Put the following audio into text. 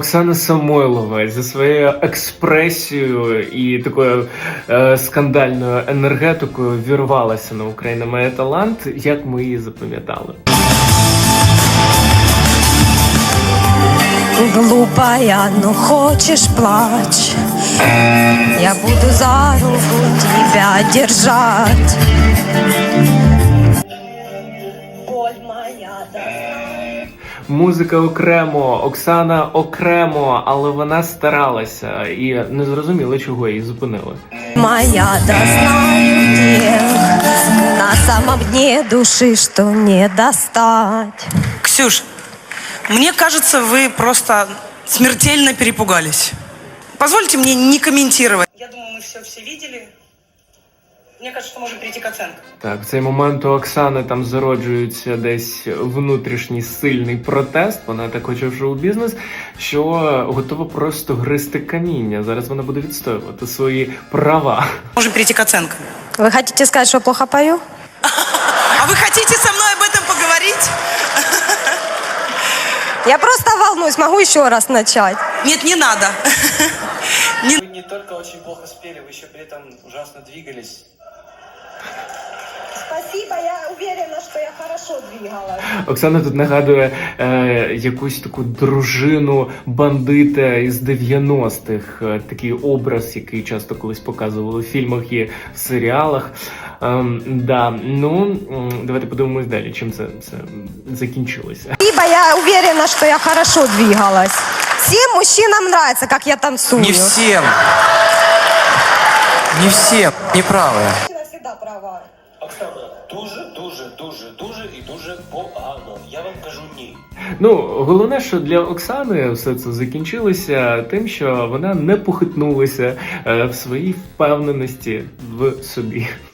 Оксана Самойлова за своєю експресією і такою скандальною енергетикою вірвалася на «Україна має талант», як ми її запам'ятали. Глупая, ну хочешь плачь, я буду за руку тебя держать. Боль моя, да. Музика окремо, Оксана окремо, але вона старалася і не зрозуміло, чого її зупинили. Моя, да знаю тех, на самом дне души, что не достать. Ксюш, мне кажется, вы просто смертельно перепугались. Позвольте мне не комментировать. Я думаю, мы все видели. Мне кажется, что можем прийти к оценкам. Так, в цей момент у Оксани там зароджується десь внутрішній сильний протест. Вона так хоче в шоу-бізнес, що готова просто гризти каміння. Зараз вона буде відстоювати свої права. Можем перейти к оценкам. Вы хотите сказать, что плохо пою? А вы хотите со мной об этом поговорить? Я просто волнуюсь, могу еще раз начать? Нет, не надо. Вы не только очень плохо спели, вы еще при этом ужасно двигались. Спасибо, я уверена, что я хорошо двигалась. Оксана тут нагадує якусь таку дружину бандита із 90-х. Такий образ, який часто колись показували в фільмах і в серіалах. Давайте подивимось далі, чим це закінчилося. Спасибо, я уверена, что я хорошо двигалась. Всем мужчинам нравится, как я танцую. Не всем. Не всем. Неправы. Мужчина всегда права. Оксана, дуже і дуже погано. Я вам кажу ні. Головне, що для Оксани все це закінчилося тим, що вона не похитнулася в своїй впевненості в собі.